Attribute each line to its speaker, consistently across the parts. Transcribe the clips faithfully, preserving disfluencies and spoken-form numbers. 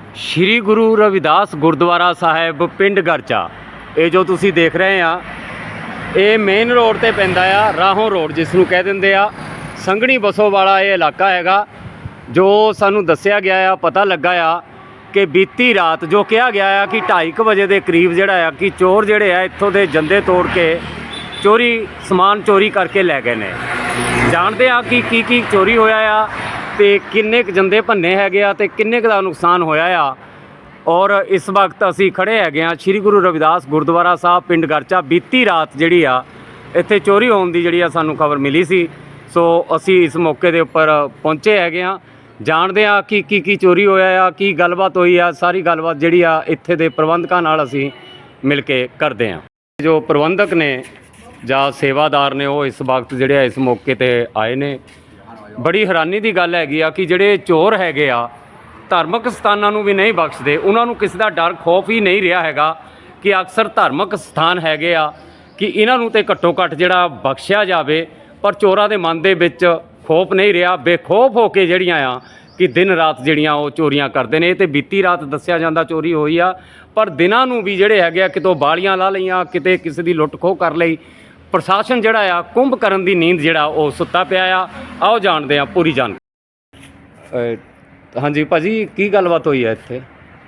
Speaker 1: ਸ਼੍ਰੀ ਗੁਰੂ ਰਵਿਦਾਸ ਗੁਰਦੁਆਰਾ ਸਾਹਿਬ ਪਿੰਡ ਗਰਚਾ। ਇਹ ਜੋ ਤੁਸੀਂ ਦੇਖ ਰਹੇ ਆ ਇਹ ਮੇਨ ਰੋਡ ਤੇ ਪੈਂਦਾ ਆ, ਰਾਹੋਂ ਰੋਡ ਜਿਸ ਨੂੰ ਕਹਿ ਦਿੰਦੇ ਆ। ਸੰਘਣੀ ਬਸੋ ਵਾਲਾ ਇਹ ਇਲਾਕਾ ਹੈਗਾ। ਜੋ ਸਾਨੂੰ ਦੱਸਿਆ ਗਿਆ ਆ, ਪਤਾ ਲੱਗਾ ਆ ਕਿ ਬੀਤੀ ਰਾਤ ਜੋ ਕਿਹਾ ਗਿਆ ਆ ਕਿ ਢਾਈ ਕੁ ਵਜੇ ਦੇ ਕਰੀਬ ਜਿਹੜਾ ਆ ਕਿ ਚੋਰ ਜਿਹੜੇ ਆ ਇੱਥੋਂ ਦੇ ਜੰਦੇ ਤੋੜ ਕੇ ਚੋਰੀ ਸਮਾਨ ਚੋਰੀ ਕਰਕੇ ਲੈ ਗਏ ਨੇ। ਜਾਣਦੇ ਆ ਕਿ ਕੀ ਕੀ ਚੋਰੀ ਹੋਇਆ ਆ ਤੇ ਕਿੰਨੇ ਕੁ ਜੰਦੇ ਭੰਨੇ ਹੈਗੇ ਆ ਤੇ ਕਿੰਨੇ ਕੁ ਦਾ ਨੁਕਸਾਨ ਹੋਇਆ ਆ। ਔਰ ਇਸ ਵਕਤ ਅਸੀਂ ਖੜੇ ਹੈਗੇ ਆ ਸ਼੍ਰੀ ਗੁਰੂ ਰਵਿਦਾਸ ਗੁਰਦੁਆਰਾ ਸਾਹਿਬ ਪਿੰਡ ਗਰਚਾ। ਬੀਤੀ ਰਾਤ ਜਿਹੜੀ ਆ ਇੱਥੇ ਚੋਰੀ ਹੋਣ ਦੀ ਜਿਹੜੀ ਆ ਸਾਨੂੰ ਖਬਰ ਮਿਲੀ ਸੀ, ਸੋ ਅਸੀਂ ਇਸ ਮੌਕੇ ਦੇ ਉੱਪਰ ਪਹੁੰਚੇ ਹੈਗੇ ਆ। ਜਾਣਦੇ ਆ ਕਿ ਕੀ ਕੀ ਚੋਰੀ ਹੋਇਆ ਆ, ਕੀ ਗੱਲਬਾਤ ਹੋਈ ਆ। ਸਾਰੀ ਗੱਲਬਾਤ ਜਿਹੜੀ ਆ ਇੱਥੇ ਦੇ ਪ੍ਰਬੰਧਕਾਂ ਨਾਲ ਅਸੀਂ ਮਿਲ ਕੇ ਕਰਦੇ ਆ। ਜੋ ਪ੍ਰਬੰਧਕ ਨੇ ਜਾਂ ਸੇਵਾਦਾਰ ਨੇ ਉਹ ਇਸ ਵਕਤ ਜਿਹੜੇ ਆ ਇਸ ਮੌਕੇ ਤੇ ਆਏ ਨੇ। ਬੜੀ ਹੈਰਾਨੀ ਦੀ ਗੱਲ ਹੈਗੀ ਆ ਕਿ ਜਿਹੜੇ ਚੋਰ ਹੈਗੇ ਆ ਧਾਰਮਿਕ ਸਥਾਨਾਂ ਨੂੰ ਵੀ ਨਹੀਂ ਬਖਸ਼ਦੇ। ਉਹਨਾਂ ਨੂੰ ਕਿਸੇ ਦਾ ਡਰ ਖੌਫ ਹੀ ਨਹੀਂ ਰਿਹਾ ਹੈਗਾ ਕਿ ਅਕਸਰ ਧਾਰਮਿਕ ਸਥਾਨ ਹੈਗੇ ਆ ਕਿ ਇਹਨਾਂ ਨੂੰ ਤੇ ਘੱਟੋ ਘੱਟ ਜਿਹੜਾ ਬਖਸ਼ਿਆ ਜਾਵੇ, ਪਰ ਚੋਰਾਂ ਦੇ ਮਨ ਦੇ ਵਿੱਚ ਖੌਫ ਨਹੀਂ ਰਿਹਾ। ਬੇਖੌਫ ਹੋ ਕੇ ਜਿਹੜੀਆਂ ਆ ਕਿ ਦਿਨ ਰਾਤ ਜਿਹੜੀਆਂ ਉਹ ਚੋਰੀਆਂ ਕਰਦੇ ਨੇ। ਤੇ ਬੀਤੀ ਰਾਤ ਦੱਸਿਆ ਜਾਂਦਾ ਚੋਰੀ ਹੋਈ ਆ, ਪਰ ਦਿਨਾਂ ਨੂੰ ਵੀ ਜਿਹੜੇ ਹੈਗੇ ਆ ਕਿਤੋਂ ਬਾਲੀਆਂ ਲਾ ਲਈਆਂ, ਕਿਤੇ ਕਿਸੇ ਦੀ ਲੁੱਟ ਖੋਹ ਕਰ ਲਈ। ਪ੍ਰਸ਼ਾਸਨ ਜਿਹੜਾ ਆ ਕੁੰਭ ਕਰਨ ਦੀ ਨੀਂਦ ਜਿਹੜਾ ਉਹ ਸੁੱਤਾ ਪਿਆ ਆ। ਆਓ ਜਾਣਦੇ ਆ ਪੂਰੀ ਜਾਣਕਾਰੀ। ਹਾਂਜੀ ਭਾਜੀ, ਕੀ ਗੱਲਬਾਤ ਹੋਈ ਹੈ ਇੱਥੇ?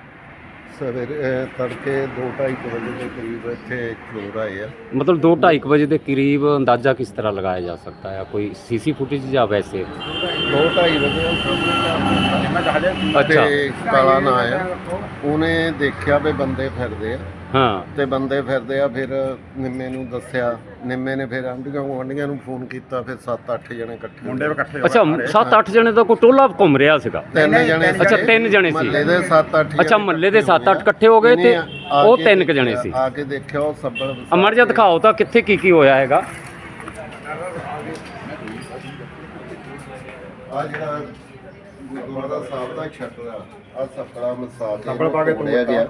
Speaker 2: ਸਵੇਰੇ ਤੜਕੇ ਦੋ ਢਾਈ ਵਜੇ ਦੇ ਕਰੀਬ ਇੱਥੇ ਚੋਰ ਆਏ ਆ।
Speaker 1: ਮਤਲਬ ਦੋ ਢਾਈ ਵਜੇ ਦੇ ਕਰੀਬ ਅੰਦਾਜ਼ਾ ਕਿਸ ਤਰ੍ਹਾਂ ਲਗਾਇਆ ਜਾ ਸਕਦਾ ਹੈ? ਕੋਈ ਸੀਸੀ ਫੁਟੇਜ ਜਾਂ ਵੈਸੇ?
Speaker 2: ਦੋ ਢਾਈ ਵਜੇ
Speaker 1: ਅੱਛਾ,
Speaker 2: ਕਾਲਾ ਨਾ ਆਇਆ, ਉਹਨੇ ਦੇਖਿਆ ਵੀ ਬੰਦੇ ਫਿਰਦੇ ਆ।
Speaker 1: ਹਾਂ,
Speaker 2: ਤੇ ਬੰਦੇ ਫਿਰਦੇ ਆ, ਫਿਰ ਨਿੰਮੇ ਨੂੰ ਦੱਸਿਆ। ਨਿੰਮੇ ਨੇ ਫਿਰ ਆਂਢੀਆਂ ਗੁਆਂਢੀਆਂ ਨੂੰ ਫੋਨ ਕੀਤਾ। ਫਿਰ ਸੱਤ ਅੱਠ ਜਣੇ ਇਕੱਠੇ ਮੁੰਡੇ ਇਕੱਠੇ
Speaker 1: ਅੱਛਾ ਸੱਤ ਅੱਠ ਜਣੇ ਦਾ ਕੋਈ ਟੋਲਾ ਘੁੰਮ ਰਿਹਾ ਸੀਗਾ?
Speaker 2: ਤਿੰਨ ਜਣੇ
Speaker 1: ਅੱਛਾ, ਤਿੰਨ ਜਣੇ ਸੀ
Speaker 2: ਮਹੱਲੇ ਦੇ ਸੱਤ ਅੱਠ।
Speaker 1: ਅੱਛਾ, ਮਹੱਲੇ ਦੇ ਸੱਤ ਅੱਠ ਇਕੱਠੇ ਹੋ ਗਏ ਤੇ ਉਹ ਤਿੰਨ ਕੁ ਜਣੇ ਸੀ।
Speaker 2: ਆ ਕੇ ਦੇਖਿਆ ਉਹ ਸੱਬਲ
Speaker 1: ਅਮਰ ਜਿਹਾ ਦਿਖਾਓ ਤਾਂ ਕਿੱਥੇ ਕੀ ਕੀ ਹੋਇਆ ਹੈਗਾ।
Speaker 2: ਆ ਜਿਹੜਾ ਗੁਰਦੁਆਰਾ ਸਾਹਿਬ ਦਾ ਛੱਤਰ ਆ, ਆ ਸੱਕੜਾ ਮਸਾ ਕੇ ਤੋੜਿਆ ਗਿਆ।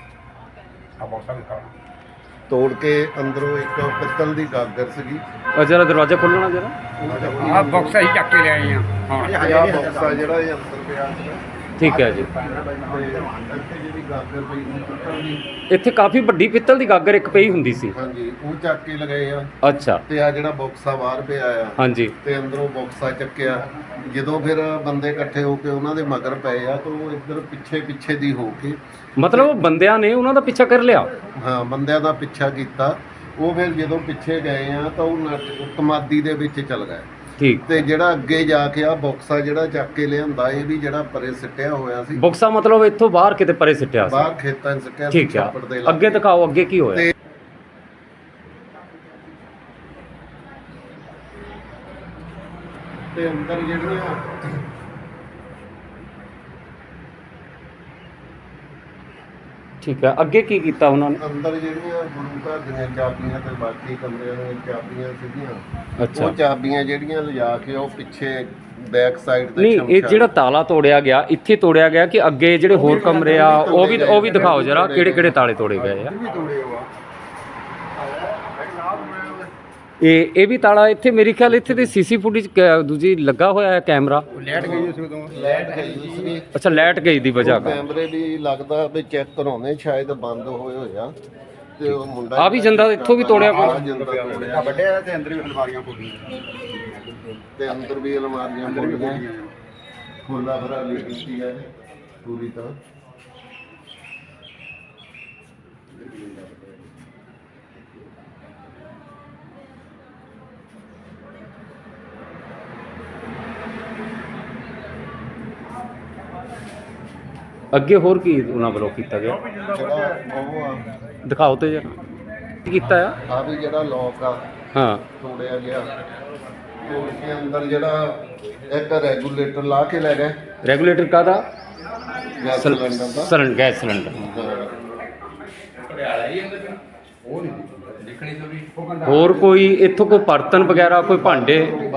Speaker 2: ਤੋੜ ਕੇ ਅੰਦਰੋਂ ਇੱਕ ਪਿੱਤਲ ਦੀ ਗਾਗਰ ਸੀਗੀ।
Speaker 1: ਉਹ ਜਰਾ ਦਰਵਾਜ਼ਾ ਖੋਲਣਾ ਜਰਾ।
Speaker 3: ਆ ਬਾਕਸ ਅਸੀਂ ਚੱਕ ਕੇ ਲਿਆਏ ਆ। ਹਾਂ,
Speaker 2: ਇਹ ਆ ਬਾਕਸ ਆ ਜਿਹੜਾ ਇਹ ਅੰਦਰ ਪਿਆ ਸੀਗਾ।
Speaker 1: ਠੀਕ ਹੈ ਜੀ।
Speaker 2: ਇੱਥੇ ਜਿਹੜੀ ਗਾਗਰ ਪਈ ਸੀ ਪਿੱਤਲ ਦੀ,
Speaker 1: ਇੱਥੇ ਕਾਫੀ ਵੱਡੀ ਪਿੱਤਲ ਦੀ ਗਾਗਰ ਇੱਕ ਪਈ ਹੁੰਦੀ ਸੀ।
Speaker 2: ਹਾਂਜੀ, ਉਹ ਚੱਕ ਕੇ ਲਗਾਏ ਆ।
Speaker 1: ਅੱਛਾ,
Speaker 2: ਤੇ ਆ ਜਿਹੜਾ ਬਾਕਸਾ ਬਾਹਰ ਪਿਆ ਆ,
Speaker 1: ਹਾਂਜੀ,
Speaker 2: ਤੇ ਅੰਦਰੋਂ ਬਾਕਸਾ ਚੱਕਿਆ। ਜਦੋਂ ਫਿਰ ਬੰਦੇ ਇਕੱਠੇ ਹੋ ਕੇ ਉਹਨਾਂ ਦੇ ਮਗਰ ਪਏ ਆ, ਤਾਂ ਉਹ ਇੱਧਰ ਪਿੱਛੇ ਪਿੱਛੇ ਦੀ ਹੋ ਕੇ,
Speaker 1: ਮਤਲਬ ਬੰਦਿਆਂ ਨੇ ਉਹਨਾਂ ਦਾ ਪਿੱਛਾ ਕਰ ਲਿਆ।
Speaker 2: ਹਾਂ, ਬੰਦਿਆਂ ਦਾ ਪਿੱਛਾ ਕੀਤਾ। ਉਹ ਫਿਰ ਜਦੋਂ ਪਿੱਛੇ ਗਏ ਆ ਤਾਂ ਉਹ ਨੱਟ ਤਮਾਦੀ ਦੇ ਵਿੱਚ ਚਲ ਗਏ।
Speaker 1: ਠੀਕ।
Speaker 2: ਤੇ ਜਿਹੜਾ ਅੱਗੇ ਜਾ ਕੇ ਆ ਬਾਕਸਾ ਜਿਹੜਾ ਚੱਕ ਕੇ ਲਿਆਂਦਾ, ਇਹ ਵੀ ਜਿਹੜਾ ਪਰੇ ਸਿੱਟਿਆ ਹੋਇਆ ਸੀ।
Speaker 1: ਬੁਕਸਾ ਮਤਲਬ ਇੱਥੋਂ ਬਾਹਰ ਕਿਤੇ ਪਰੇ ਸਿੱਟਿਆ ਸੀ?
Speaker 2: ਬਾਹਰ ਖੇਤਾਂ 'ਚ ਸਿੱਟਿਆ ਸੀ।
Speaker 1: ਠੀਕ ਆ,
Speaker 2: ਛੱਪੜ ਦੇ ਲਾਗੇ।
Speaker 1: ਅੱਗੇ ਦਿਖਾਓ ਅੱਗੇ ਕੀ ਹੋਇਆ।
Speaker 2: ਤੇ ਤੇ ਅੰਦਰ ਜਿਹੜੀਆਂ
Speaker 1: ਠੀਕ ਹੈ, ਅੱਗੇ ਕੀ ਕੀਤਾ ਉਹਨਾਂ ਨੇ?
Speaker 2: ਅੰਦਰ ਜਿਹੜੀਆਂ ਗੁਰੂ ਘਰ ਦੀਆਂ ਚਾਬੀਆਂ ਤੇ ਬਾਕੀ ਕਮਰਿਆਂ ਦੀਆਂ ਚਾਬੀਆਂ ਸੀਗੀਆਂ,
Speaker 1: ਅੱਛਾ,
Speaker 2: ਉਹ ਚਾਬੀਆਂ ਜਿਹੜੀਆਂ ਲਿਜਾ ਕੇ ਉਹ ਪਿੱਛੇ ਬੈਕ ਸਾਈਡ ਤੇ
Speaker 1: ਨਹੀਂ ਇਹ ਜਿਹੜਾ ਤਾਲਾ ਤੋੜਿਆ ਗਿਆ ਇੱਥੇ ਤੋੜਿਆ ਗਿਆ ਕਿ ਅੱਗੇ ਜਿਹੜੇ ਹੋਰ ਕਮਰੇ ਆ ਉਹ ਵੀ ਉਹ ਵੀ ਦਿਖਾਓ ਜਰਾ, ਕਿਹੜੇ ਕਿਹੜੇ ਤਾਲੇ ਤੋੜੇ ਗਏ ਆ? ਇਹ ਇਹ ਵੀ ਤਾਲਾ ਇੱਥੇ ਮੇਰੇ ਖਿਆਲ ਇੱਥੇ ਤੇ ਸੀਸੀ ਫੁਟੇਜ ਦੂਜੀ ਲੱਗਾ ਹੋਇਆ ਹੈ ਕੈਮਰਾ।
Speaker 3: ਲੈਟ ਗਈ ਸੀ ਉਦੋਂ।
Speaker 2: ਲਾਈਟ ਗਈ ਸੀ।
Speaker 1: ਅੱਛਾ, ਲਾਈਟ ਗਈ ਦੀ ਵਜ੍ਹਾ ਕਰ
Speaker 2: ਕੈਮਰੇ ਵੀ ਲੱਗਦਾ ਵੀ ਚੈੱਕ ਕਰਾਉਣੇ, ਸ਼ਾਇਦ ਬੰਦ ਹੋਏ ਹੋਏ ਆ। ਤੇ ਉਹ ਮੁੰਡਾ
Speaker 1: ਆ ਵੀ ਜੰਦਾ ਇੱਥੋਂ ਵੀ ਤੋੜਿਆ
Speaker 2: ਆਹ
Speaker 1: ਕੋਈ?
Speaker 2: ਜਿੰਦਾ ਤੋੜਿਆ।
Speaker 3: ਵੱਡੇ ਤੇ ਅੰਦਰ ਵੀ ਅਲਮਾਰੀਆਂ ਖੋਲੀਆਂ।
Speaker 2: ਤੇ ਅੰਦਰ ਵੀ ਅਲਮਾਰੀਆਂ ਖੋਲੀਆਂ, ਖੋਲਾ ਭਰਾ ਲਈ ਕੀਤੀ ਹੈ ਪੂਰੀ ਤਰ੍ਹਾਂ।
Speaker 1: ਅੱਗੇ ਹੋਰ ਕੀ ਉਹਨਾਂ ਵੱਲੋਂ ਕੀਤਾ ਗਿਆ
Speaker 2: ਜਿਹੜਾ ਉਹ ਆ,
Speaker 1: ਦਿਖਾਓ ਤੇ ਜਰਾ ਕੀ ਕੀਤਾ ਆ।
Speaker 2: ਆ ਵੀ ਜਿਹੜਾ ਲੋਕ ਆ
Speaker 1: ਹਾਂ,
Speaker 2: ਤੋੜਿਆ ਗਿਆ। ਤੋੜ ਕੇ ਅੰਦਰ ਜਿਹੜਾ ਇੱਕ ਰੈਗੂਲੇਟਰ ਲਾ ਕੇ ਲੈ ਗਏ,
Speaker 1: ਰੈਗੂਲੇਟਰ ਕਾਹਦਾ?
Speaker 2: ਗੈਸ ਸਿਲੰਡਰ ਦਾ।
Speaker 1: Cylinder, gas cylinder. ਹੋਰ ਕੋਈ ਇੱਥੋਂ ਕੋਈ ਬਰਤਨ ਵਗੈਰਾ, ਕੋਈ ਭਾਂਡੇ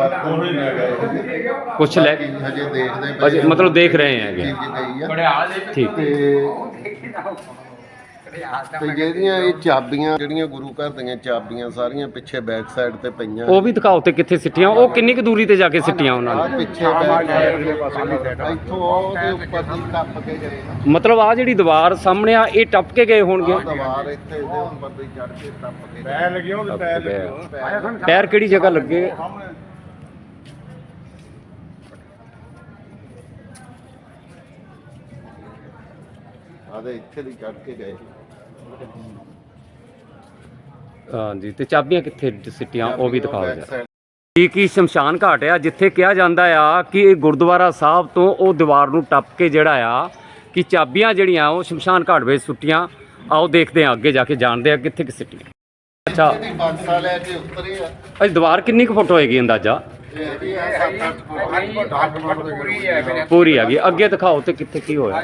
Speaker 1: ਕੁਛ ਲੈ ਕੇ
Speaker 2: ਹਜੇ ਦੇਖਦੇ ਪਏ
Speaker 1: ਅਜੇ
Speaker 2: ਆ।
Speaker 1: ਮਤਲਬ ਦੇਖ ਰਹੇ ਹੈਗੇ।
Speaker 2: ਚੀਜ਼ ਗਈ ਆ।
Speaker 1: ਠੀਕ।
Speaker 2: ਤੇ ਤੇ ਜਿਹੜੀਆਂ ਇਹ ਚਾਬੀਆਂ ਜਿਹੜੀਆਂ ਗੁਰੂ ਘਰ ਦੀਆਂ ਚਾਬੀਆਂ ਸਾਰੀਆਂ ਪਿੱਛੇ ਬੈਕ ਸਾਈਡ ਤੇ ਪਈਆਂ।
Speaker 1: ਉਹ ਵੀ ਦਿਖਾਓ ਤੇ ਕਿੱਥੇ ਸਿੱਟੀਆਂ, ਉਹ ਕਿੰਨੀ ਕੁ ਦੂਰੀ ਤੇ ਜਾ ਕੇ ਸਿੱਟੀਆਂ ਉਹਨਾਂ
Speaker 2: ਆਹ
Speaker 1: ਨੇ?
Speaker 2: ਪਿੱਛੇ back side ਇੱਥੋਂ ਉਹਦੇ ਉੱਪਰ ਦੀ ਟੱਪ ਕੇ ਗਏ ਨਾ।
Speaker 1: ਮਤਲਬ ਆ ਜਿਹੜੀ ਦੀਵਾਰ ਸਾਹਮਣੇ ਆ ਇਹ ਟੱਪ ਕੇ ਗਏ ਹੋਣਗੇ।
Speaker 2: ਆਹ ਦੀਵਾਰ ਇੱਥੇ ਇਹਦੇ ਉੱਪਰ ਦੀ ਚੜ ਕੇ ਟੱਪ ਕੇ
Speaker 3: ਪੈਰ ਲੱਗਿਓ ਤੇ ਪੈਰ ਲੱਗਿਓ।
Speaker 1: ਪੈਰ ਕਿਹੜੀ ਜਗ੍ਹਾ ਲੱਗੇ?
Speaker 2: ਆਦੇ ਇੱਥੇ ਦੀ ਚੜ ਕੇ ਗਏ।
Speaker 1: ਹਾਂਜੀ, ਤੇ ਚਾਬੀਆਂ ਕਿੱਥੇ ਸਿੱਟੀਆਂ ਉਹ ਵੀ ਦਿਖਾਓ
Speaker 2: Back
Speaker 1: ਜਰਾ।
Speaker 2: side
Speaker 1: ਕੀ ਕੀ ਸ਼ਮਸ਼ਾਨ ਘਾਟ ਆ ਜਿੱਥੇ ਕਿਹਾ ਜਾਂਦਾ ਆ ਕਿ ਇਹ ਗੁਰਦੁਆਰਾ ਸਾਹਿਬ ਤੋਂ ਉਹ ਦੀਵਾਰ ਨੂੰ ਟੱਪ ਕੇ ਜਿਹੜਾ ਆ ਕਿ ਚਾਬੀਆਂ ਜਿਹੜੀਆਂ ਉਹ ਸ਼ਮਸ਼ਾਨ ਘਾਟ ਵਿੱਚ ਸੁੱਟੀਆਂ। ਆਓ ਦੇਖਦੇ ਆ, ਅੱਗੇ ਜਾ ਕੇ ਜਾਣਦੇ ਆ ਕਿੱਥੇ ਕਿ ਸਿੱਟੀਆਂ। ਅੱਛਾ,
Speaker 2: ਇਹਦੀ ਬਾਕਸਾ ਲੈ ਕੇ ਉਤਰੇ ਆ।
Speaker 1: ਇਹ ਦੀਵਾਰ ਕਿੰਨੀ ਕੁ ਫੁੱਟ ਹੋਏਗੀ ਅੰਦਾਜ਼ਾ?
Speaker 2: ਇਹਦੀ ਆ ਸੱਤ ਅੱਠ ਫੁੱਟ।
Speaker 3: ਪੂਰੀ ਹੈ ਮੇਰੇ
Speaker 1: ਪੂਰੀ ਹੈਗੀ। ਅੱਗੇ ਦਿਖਾਓ ਤੇ ਕਿੱਥੇ ਕੀ ਹੋਇਆ।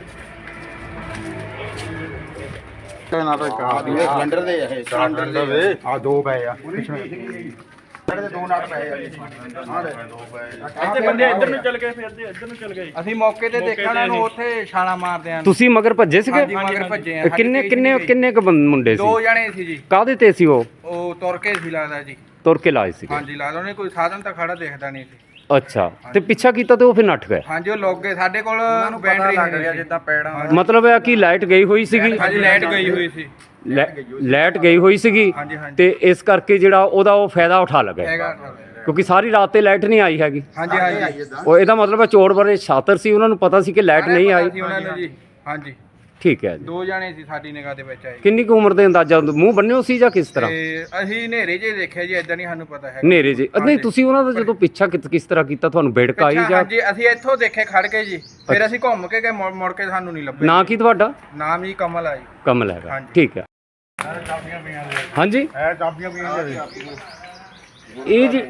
Speaker 3: ਨਾ ਤਾਂ ਸਿਲੰਡਰ ਦੇ ਇਹ ਸਿਲੰਡਰ ਦੇ ਆ ਦੋ ਪਏ ਆ ਸਿਲੰਡਰ ਦੇ ਦੋ ਨਟ ਪਏ ਆ ਹਾਂ ਦੋ ਪਏ।
Speaker 4: ਇੱਥੇ ਬੰਦੇ ਇੱਧਰ ਨੂੰ ਚੱਲ ਗਏ, ਫਿਰ ਦੇ ਇੱਧਰ ਨੂੰ ਚੱਲ ਗਏ।
Speaker 5: ਅਸੀਂ ਮੌਕੇ ਤੇ ਦੇਖਣਾ ਨੂੰ ਉੱਥੇ ਛਾਲਾ ਮਾਰਦੇ ਆਂ।
Speaker 1: ਤੁਸੀਂ ਮਗਰ ਭੱਜੇ ਸੀਗੇ?
Speaker 5: ਹਾਂਜੀ ਮਗਰ ਭੱਜੇ ਆ।
Speaker 1: ਕਿੰਨੇ ਕਿੰਨੇ ਕਿੰਨੇ ਕ ਮੁੰਡੇ ਸੀ?
Speaker 5: ਦੋ ਜਣੇ ਸੀ ਜੀ।
Speaker 1: ਕਾਹਦੇ ਤੇ ਸੀ ਉਹ?
Speaker 5: ਉਹ ਤੁਰ ਕੇ ਸੀ ਲੱਗਦਾ ਜੀ।
Speaker 1: ਤੁਰ ਕੇ ਲਾਏ ਸੀ?
Speaker 5: ਹਾਂਜੀ ਲਾ ਲਓ, ਉਹਨੇ ਕੋਈ ਸਾਧਨ ਤਾਂ ਖੜਾ ਦੇਖਦਾ ਨਹੀਂ ਸੀ।
Speaker 1: ਅੱਛਾ, ਤੇ ਪਿੱਛਾ ਕੀਤਾ ਤੇ ਉਹ ਫਿਰ ਨੱਠ ਗਏ?
Speaker 5: ਹਾਂਜੀ ਉਹ ਲੋਕ ਗਏ ਸਾਡੇ ਕੋਲ ਬੈਟਰੀ ਲੱਗ ਰਿਹਾ ਜਿੱਦਾਂ ਪੈੜਾਂ।
Speaker 1: ਮਤਲਬ ਇਹ ਕਿ ਲਾਈਟ ਗਈ ਹੋਈ ਸੀਗੀ?
Speaker 5: ਹਾਂਜੀ ਲਾਈਟ ਗਈ ਹੋਈ ਸੀ।
Speaker 1: ਲੈ- ਲਾਈਟ ਗਈ ਹੋਈ ਸੀਗੀ
Speaker 5: ਹਾਂਜੀ ਹਾਂਜੀ
Speaker 1: ਤੇ ਇਸ ਕਰਕੇ ਜਿਹੜਾ ਉਹਦਾ ਉਹ ਫਾਇਦਾ ਉਠਾ ਲਗੇ,
Speaker 5: ਹੈਗਾ।
Speaker 1: ਕਿਉਂਕਿ ਸਾਰੀ ਰਾਤ ਤੇ ਲਾਈਟ ਨਹੀਂ ਆਈ ਹੈਗੀ।
Speaker 5: ਹਾਂਜੀ ਹਾਂਜੀ
Speaker 1: ਉਹ ਇਹਦਾ ਮਤਲਬ ਹੈ ਚੋਰ ਬੜੇ ਸ਼ਾਤਰ ਸੀ, ਉਹਨਾਂ ਨੂੰ ਪਤਾ ਸੀ ਕਿ ਲਾਈਟ ਨਹੀਂ ਆਈ।
Speaker 5: ਸੀ ਉਹਨਾਂ ਨੂੰ ਜੀ। ਹਾਂਜੀ
Speaker 1: ਠੀਕ ਹੈ ਜੀ।
Speaker 5: ਦੋ ਜਣੇ ਸੀ ਸਾਡੀ ਨਿਗਾਹ ਦੇ ਵਿੱਚ ਆਏ।
Speaker 1: ਕਿੰਨੀ ਕੁ ਉਮਰ ਦੇ ਅੰਦਾਜ਼ਾ? ਮੂੰਹ ਬੰਨਿਓ ਸੀ ਜਾਂ ਕਿਸ ਤਰ੍ਹਾਂ?
Speaker 5: ਤੇ ਅਸੀਂ ਹਨੇਰੇ ਜੇ ਦੇਖਿਆ ਜੀ, ਇਦਾਂ ਨਹੀਂ ਸਾਨੂੰ ਪਤਾ ਹੈ।
Speaker 1: ਹਨੇਰੇ ਜੀ? ਨਹੀਂ, ਤੁਸੀਂ ਉਹਨਾਂ ਦਾ ਜਦੋਂ ਪਿੱਛਾ ਕਿਸ ਕਿਸ ਤਰ੍ਹਾਂ ਕੀਤਾ? ਤੁਹਾਨੂੰ ਬੇੜਕ ਆਈ ਜਾਂ?
Speaker 5: ਹਾਂਜੀ ਅਸੀਂ ਇੱਥੋਂ ਦੇਖੇ ਖੜ ਕੇ ਜੀ, ਫਿਰ ਅਸੀਂ ਘੁੰਮ ਕੇ ਗਏ, ਮੁੜ ਮੁੜ ਕੇ ਸਾਨੂੰ ਨਹੀਂ ਲੱਭੇ।
Speaker 1: ਨਾਂ ਕੀ ਤੁਹਾਡਾ?
Speaker 5: ਨਾਮ ਜੀ ਕਮਲ ਆ ਜੀ।
Speaker 1: ਕਮਲ ਹੈਗਾ।
Speaker 5: ਹਾਂਜੀ।
Speaker 1: ਠੀਕ ਹੈ।
Speaker 3: ਚਾਬੀਆਂ ਪਈਆਂ ਨੇ
Speaker 1: ਹਾਂਜੀ,
Speaker 3: ਇਹ ਚਾਬੀਆਂ ਪਈਆਂ ਨੇ
Speaker 1: ਇਹ ਜੀ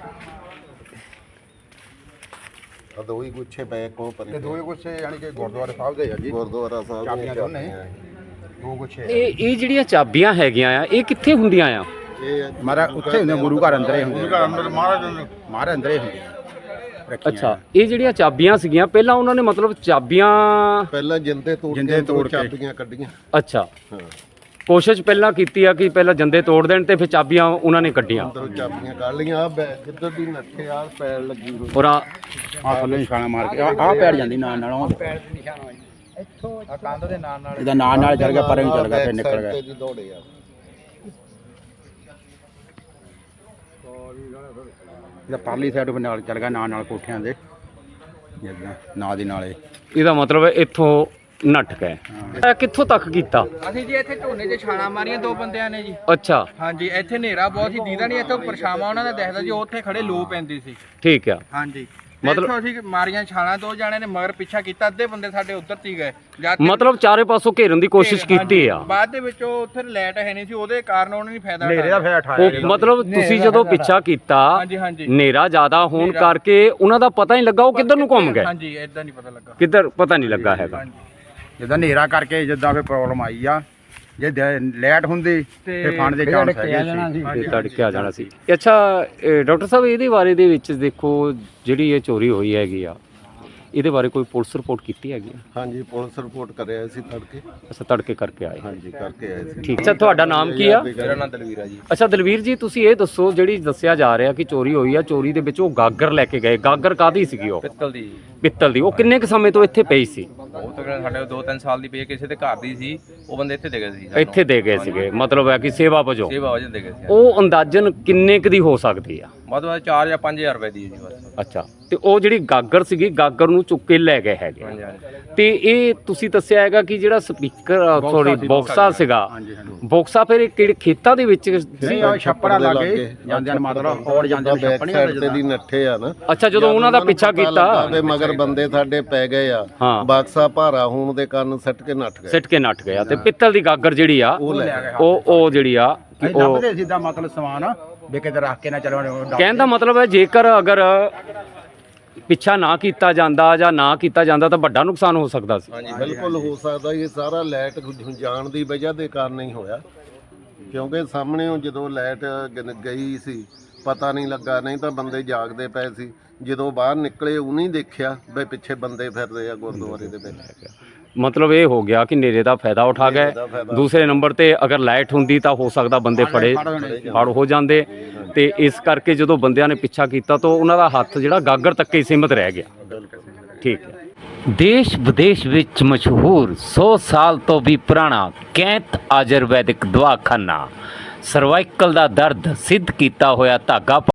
Speaker 2: ਆ ਦੋ ਹੀ ਗੁੱਛੇ ਪਏ ਕੋ ਪਰ
Speaker 3: ਤੇ ਦੋਏ ਗੁੱਛੇ ਯਾਨੀ ਕਿ ਗੁਰਦੁਆਰੇ ਸਾਹਿਬ ਦੇ ਆ ਜੀ।
Speaker 2: ਗੁਰਦੁਆਰਾ ਸਾਹਿਬ
Speaker 3: ਚਾਬੀਆਂ
Speaker 2: ਦੀਆਂ
Speaker 3: ਦੋਨੇ ਦੋ ਗੁੱਛੇ
Speaker 1: ਇਹ ਇਹ ਜਿਹੜੀਆਂ ਚਾਬੀਆਂ ਹੈਗੀਆਂ ਆ ਇਹ ਕਿੱਥੇ ਹੁੰਦੀਆਂ ਆ?
Speaker 2: ਇਹ
Speaker 3: ਮਾਰਾ ਉੱਥੇ ਹੁੰਦੇ ਗੁਰੂ ਘਰ ਅੰਦਰੇ ਹੁੰਦੇ ਗੁਰੂ ਘਰ ਅੰਦਰ ਮਹਾਰਾਜ ਮਹਾਰਾਜ ਅੰਦਰੇ ਹੁੰਦੇ ਰੱਖੀਆਂ।
Speaker 1: ਅੱਛਾ, ਇਹ ਜਿਹੜੀਆਂ ਚਾਬੀਆਂ ਸੀਗੀਆਂ ਪਹਿਲਾਂ ਉਹਨਾਂ ਨੇ ਮਤਲਬ ਚਾਬੀਆਂ
Speaker 2: ਪਹਿਲਾਂ ਜਿੰਦੇ ਤੋੜ
Speaker 3: ਜਿੰਦੇ
Speaker 2: ਕੇ
Speaker 3: ਤੋੜ
Speaker 2: ਦੋ
Speaker 3: ਕੇ।
Speaker 2: ਚਾਬੀਆਂ ਕੱਢੀਆਂ।
Speaker 1: ਅੱਛਾ,
Speaker 2: ਹਾਂ,
Speaker 1: ਕੋਸ਼ਿਸ਼ ਪਹਿਲਾਂ ਕੀਤੀ ਆ ਕਿ ਪਹਿਲਾਂ ਜੰਦੇ ਤੋੜ ਦੇਣ ਤੇ ਫਿਰ ਚਾਬੀਆਂ ਉਹਨਾਂ ਨੇ ਕੱਢੀਆਂ।
Speaker 2: ਅੰਦਰੋਂ ਚਾਬੀਆਂ ਕੱਢ ਲਈਆਂ। ਆ ਕਿੱਧਰ ਦੀ ਨੱਠੇ ਆ ਪੈਰ ਲੱਗੀ ਹੋਈ।
Speaker 1: ਔਰ ਆ
Speaker 3: ਆ ਥੱਲੇ ਨਿਸ਼ਾਨਾ ਮਾਰ ਕੇ ਆ ਆ ਪੈਰ ਜਾਂਦੀ ਨਾਲ ਨਾਲ ਉਹ
Speaker 5: ਪੈਰ ਦੇ ਨਿਸ਼ਾਨ ਹੋਏ ਇੱਥੋਂ ਆ ਕੰਧ ਦੇ ਨਾਲ ਨਾਲ।
Speaker 3: ਇਹਦਾ ਨਾਲ ਨਾਲ ਚੱਲ ਗਿਆ ਪਰੇ ਨੂੰ ਚੱਲ ਗਿਆ ਫਿਰ
Speaker 2: Back
Speaker 3: ਨਿਕਲ
Speaker 2: side
Speaker 3: ਗਿਆ।
Speaker 2: ਤੇ ਜੀ ਦੌੜੇ ਆ।
Speaker 3: ਇਹਦਾ ਪਰਲੀ ਸਾਈਡ ਫਿਰ ਨਾਲ ਚੱਲ ਗਿਆ ਨਾਲ ਨਾਲ ਕੋਠਿਆਂ ਦੇ ਜਿੱਦਾਂ ਨਾਲ ਦੀ ਨਾਲੇ।
Speaker 1: ਇਹਦਾ ਮਤਲਬ ਹੈ ਇੱਥੋਂ ਨੱਠ ਗਏ। ਇਹ ਕਿੱਥੋਂ ਤੱਕ ਕੀਤਾ?
Speaker 5: ਅਸੀਂ ਜੀ ਇੱਥੇ ਝੋਨੇ 'ਚ ਛਾਲਾਂ ਮਾਰੀਆਂ ਦੋ ਬੰਦਿਆਂ ਨੇ ਜੀ।
Speaker 1: ਅੱਛਾ,
Speaker 5: ਹਾਂਜੀ ਇੱਥੇ ਹਨੇਰਾ ਬਹੁਤ ਸੀ, ਦੀਦਾ ਨਹੀਂ। ਇੱਥੋਂ ਪਰਛਾਵਾਂ ਉਹਨਾਂ ਦਾ ਦਿਖਦਾ ਜੀ, ਉੱਥੇ ਖੜੇ ਲੋ ਪੈਂਦੀ ਸੀ।
Speaker 1: ਠੀਕ ਆ।
Speaker 5: ਹਾਂਜੀ
Speaker 1: ਮਤਲਬ-
Speaker 5: ਮਤਲਬ ਅਸੀਂ ਮਾਰੀਆਂ ਛਾਲਾਂ, ਦੋ ਜਾਣੇ ਨੇ ਮਗਰ ਪਿੱਛਾ ਕੀਤਾ, ਅੱਧੇ ਬੰਦੇ ਸਾਡੇ ਉੱਧਰ ਤੀ ਗਏ। ਜਦ
Speaker 1: ਮਤਲਬ ਚਾਰੇ ਪਾਸੋਂ ਘੇਰਨ ਦੀ ਕੋਸ਼ਿਸ਼ ਕੀਤੀ ਆ।
Speaker 5: ਬਾਅਦ ਦੇ ਵਿੱਚ ਉਹ ਉੱਥੇ ਲਾਈਟ ਹੈ ਨਹੀਂ ਸੀ, ਉਹਦੇ ਕਾਰਨ ਉਹਨਾਂ ਨੇ ਫਾਇਦਾ
Speaker 3: ਹਨੇਰੇ ਦਾ
Speaker 5: ਉਠਾਇਆ।
Speaker 3: ਫੇਰ ਉਠਾਇਆ
Speaker 1: ਉਹ ਮਤਲਬ ਤੁਸੀਂ ਜਦੋਂ ਪਿੱਛਾ ਕੀਤਾ
Speaker 5: ਹਾਂਜੀ ਹਾਂਜੀ
Speaker 1: ਹਨੇਰਾ ਜ਼ਿਆਦਾ ਹੋਣ ਕਰਕੇ ਉਹਨਾਂ ਦਾ ਪਤਾ ਹੀ ਲੱਗਾ ਉਹ ਕਿੱਧਰ ਨੂੰ ਘੁੰਮ ਗਏ।
Speaker 5: ਹਾਂਜੀ ਇਦਾਂ ਨਹੀਂ ਪਤਾ ਲੱਗਾ।
Speaker 1: ਕਿੱਧਰ ਪਤਾ ਨਹੀਂ ਲੱਗਾ ਹੈਗਾ।
Speaker 5: ਹਾਂਜੀ
Speaker 3: ਜਿੱਦਾਂ ਹਨੇਰਾ ਕਰਕੇ ਜਿੱਦਾਂ ਫਿਰ ਪ੍ਰੋਬਲਮ ਆਈ ਆ। ਜੇ ਲਾਈਟ ਹੁੰਦੀ ਤੇ ਫੰਡ ਦੇ ਚਾਂਸ ਹੈਗੇ ਸੀ।
Speaker 1: ਤੇ ਤੜਕੇ ਆ ਜਾਣਾ ਸੀ। ਅੱਛਾ, ਇਹ ਡਾਕਟਰ ਸਾਹਿਬ ਇਹਦੇ ਬਾਰੇ ਦੇ ਵਿੱਚ ਦੇਖੋ ਜਿਹੜੀ ਇਹ ਚੋਰੀ ਹੋਈ ਹੈਗੀ ਆ ਇਹਦੇ ਬਾਰੇ ਕੋਈ ਪੁਲਿਸ ਰਿਪੋਰਟ ਕੀਤੀ ਹੈਗੀ ਆ?
Speaker 2: ਹਾਂਜੀ ਪੁਲਿਸ ਰਿਪੋਰਟ ਕਰਿਆ ਸੀ ਤੜਕੇ।
Speaker 1: ਅੱਛਾ, ਤੜਕੇ ਕਰਕੇ ਆਏ।
Speaker 2: ਹਾਂਜੀ ਕਰਕੇ ਆਏ ਸੀ।
Speaker 1: ਠੀਕ। ਅੱਛਾ, ਤੁਹਾਡਾ ਨਾਮ ਕੀ ਆ?
Speaker 5: ਮੇਰਾ ਨਾਮ ਦਲਵੀਰ ਆ ਜੀ।
Speaker 1: ਅੱਛਾ ਦਲਵੀਰ ਜੀ, ਤੁਸੀਂ ਇਹ ਦੱਸੋ ਜਿਹੜੀ ਦੱਸਿਆ ਜਾ ਰਿਹਾ ਕਿ ਚੋਰੀ ਹੋਈ ਆ, ਚੋਰੀ ਦੇ ਵਿੱਚ ਉਹ ਗਾਗਰ ਲੈ ਕੇ ਗਏ। ਗਾਗਰ ਕਾਹਦੀ ਸੀਗੀ ਉਹ?
Speaker 4: ਪਿੱਤਲ ਦੀ
Speaker 1: ਪਿੱਤਲ ਦੀ। ਉਹ ਕਿੰਨੇ ਕੁ ਸਮੇਂ ਤੋਂ ਇੱਥੇ ਪਈ ਸੀ?
Speaker 4: ਉਹ ਤਕਰੀਬਨ ਸਾਡੇ ਦੋ ਤਿੰਨ ਸਾਲ ਦੀ ਪਈ ਹੈ, ਕਿਸੇ ਦੇ ਘਰ ਦੀ ਸੀ। ਉਹ ਬੰਦੇ ਇੱਥੇ ਦੇ ਗਏ ਸੀ ਸਾਨੂੰ।
Speaker 1: ਇੱਥੇ ਦੇ ਗਏ ਸੀਗੇ, ਮਤਲਬ ਹੈ ਕਿ ਸੇਵਾ ਵਜੋਂ।
Speaker 4: ਸੇਵਾ ਵਜੋਂ ਦੇ ਗਏ ਸੀ।
Speaker 1: ਉਹ ਅੰਦਾਜ਼ਨ ਕਿੰਨੇ ਕੁ ਦੀ ਹੋ ਸਕਦੀ ਆ?
Speaker 4: ਵੱਧ ਤੋਂ ਵੱਧ ਚਾਰ ਜਾਂ ਪੰਜ ਹਜ਼ਾਰ ਰੁਪਏ ਦੀ ਹੈ ਜੀ ਬਸ।
Speaker 1: ਅੱਛਾ, ਤੇ ਉਹ ਜਿਹੜੀ ਗਾਗਰ ਸੀਗੀ ਗਾਗਰ ਨੂੰ ਚੁੱਕ ਕੇ ਲੈ ਗਏ ਹੈਗੇ।
Speaker 4: ਹਾਂਜੀ ਹਾਂਜੀ
Speaker 1: ਤੇ ਇਹ ਤੁਸੀਂ ਦੱਸਿਆ ਹੈਗਾ ਕਿ ਜਿਹੜਾ ਸਪੀਕਰ ਸੌਰੀ ਬੌਕਸਾ ਸੀਗਾ,
Speaker 3: ਹਾਂਜੀ ਹਾਂਜੀ
Speaker 1: ਬੌਕਸਾ ਫਿਰ ਇਹ ਕਿਹੜੇ ਖੇਤਾਂ ਦੇ ਵਿੱਚ ਸੀ?
Speaker 3: ਨਹੀਂ ਆ ਛੱਪੜਾ ਲੱਗੇ ਜਾਂਦੇ ਨੇ ਮਤਲਬ ਔੜ ਜਾਂਦੇ ਨੇ
Speaker 2: ਬੈਕ
Speaker 3: ਛੱਪਣੀ
Speaker 2: ਸਾਈਡ ਤੇ ਦੀ ਨੱਠੇ ਆ ਨਾ।
Speaker 1: ਅੱਛਾ, ਜਦੋਂ ਉਹਨਾਂ ਦਾ ਪਿੱਛਾ ਕੀਤਾ
Speaker 2: ਤੇ ਮਗਰ ਬੰਦੇ ਸਾਡੇ ਪੈ ਗਏ ਆ।
Speaker 1: ਹਾਂ।
Speaker 2: ਬਾਕਸਾ ਭਾਰਾ ਹੋਣ ਦੇ ਕਾਰਨ ਸੱਟ ਕੇ ਨੱਠ ਗਏ।
Speaker 1: ਸਿੱਟ ਕੇ ਨੱਠ ਗਿਆ ਤੇ ਪਿੱਤਲ ਦੀ ਗਾਗਰ ਜਿਹੜੀ ਆ
Speaker 2: ਉਹ ਲੈ ਗਏ।
Speaker 1: ਉਹ ਉਹ ਜਿਹੜੀ ਆ ਕਿ
Speaker 3: ਅਸੀਂ
Speaker 1: ਉਹ
Speaker 3: ਲੱਭਦੇ ਸਿੱਧਾ ਮਤਲਬ ਸਮਾਨ ਵੀ ਕਿਤੇ ਰੱਖ ਕੇ ਨਾ ਚਲੋ।
Speaker 1: ਕਹਿਣ ਦਾ ਮਤਲਬ ਹੈ ਜੇਕਰ ਅਗਰ ਪਿੱਛਾ ਨਾ ਕੀਤਾ ਜਾਂਦਾ ਜਾਂ ਨਾ ਕੀਤਾ ਜਾਂਦਾ ਤਾਂ ਵੱਡਾ ਨੁਕਸਾਨ ਹੋ ਸਕਦਾ ਸੀ।
Speaker 2: ਬਿਲਕੁਲ ਹੋ ਸਕਦਾ। ਇਹ ਸਾਰਾ ਲਾਈਟ ਜਾਣ ਦੀ ਵਜ੍ਹਾ ਦੇ ਕਾਰਨ ਹੀ ਹੋਇਆ, ਕਿਉਂਕਿ ਸਾਹਮਣੇ ਜਦੋਂ ਲਾਈਟ ਗਈ ਸੀ ਪਤਾ ਨਹੀਂ ਲੱਗਾ, ਨਹੀਂ ਤਾਂ ਬੰਦੇ ਜਾਗਦੇ ਪਏ ਸੀ। ਜਦੋਂ ਬਾਹਰ ਨਿਕਲੇ ਉਹਨੇ ਦੇਖਿਆ ਵੀ ਪਿੱਛੇ ਬੰਦੇ ਫਿਰਦੇ ਆ ਗੁਰਦੁਆਰੇ ਦੇ ਵਿੱਚ।
Speaker 1: ਮਤਲਬ ਇਹ ਹੋ ਗਿਆ ਕਿ ਨੇਰੇ ਦਾ ਫਾਇਦਾ ਉਠਾ ਗਏ। ਦੂਸਰੇ ਨੰਬਰ ਤੇ ਅਗਰ ਲਾਈਟ ਹੁੰਦੀ ਤਾਂ ਹੋ ਸਕਦਾ ਬੰਦੇ ਫੜੇ ਫੜ ਹੋ ਜਾਂਦੇ, ਤੇ ਇਸ ਕਰਕੇ ਜਦੋਂ ਬੰਦਿਆਂ ਨੇ ਪਿੱਛਾ ਕੀਤਾ ਤਾਂ ਉਹਨਾਂ ਦਾ ਹੱਥ ਜਿਹੜਾ ਗਾਗਰ ਤੱਕ ਹੀ ਸੀਮਤ ਰਹਿ ਗਿਆ। ਠੀਕ ਹੈ। ਦੇਸ਼ ਵਿਦੇਸ਼ ਵਿੱਚ ਮਸ਼ਹੂਰ ਸੌ ਸਾਲ ਤੋਂ ਵੀ ਪੁਰਾਣਾ ਕੈਂਤ ਆਯੁਰਵੈਦਿਕ ਦਵਾਖਾਨਾ, ਸਰਵਾਈਕਲ ਦਾ ਦਰਦ ਸਿੱਧ ਕੀਤਾ ਹੋਇਆ ਧਾਗਾ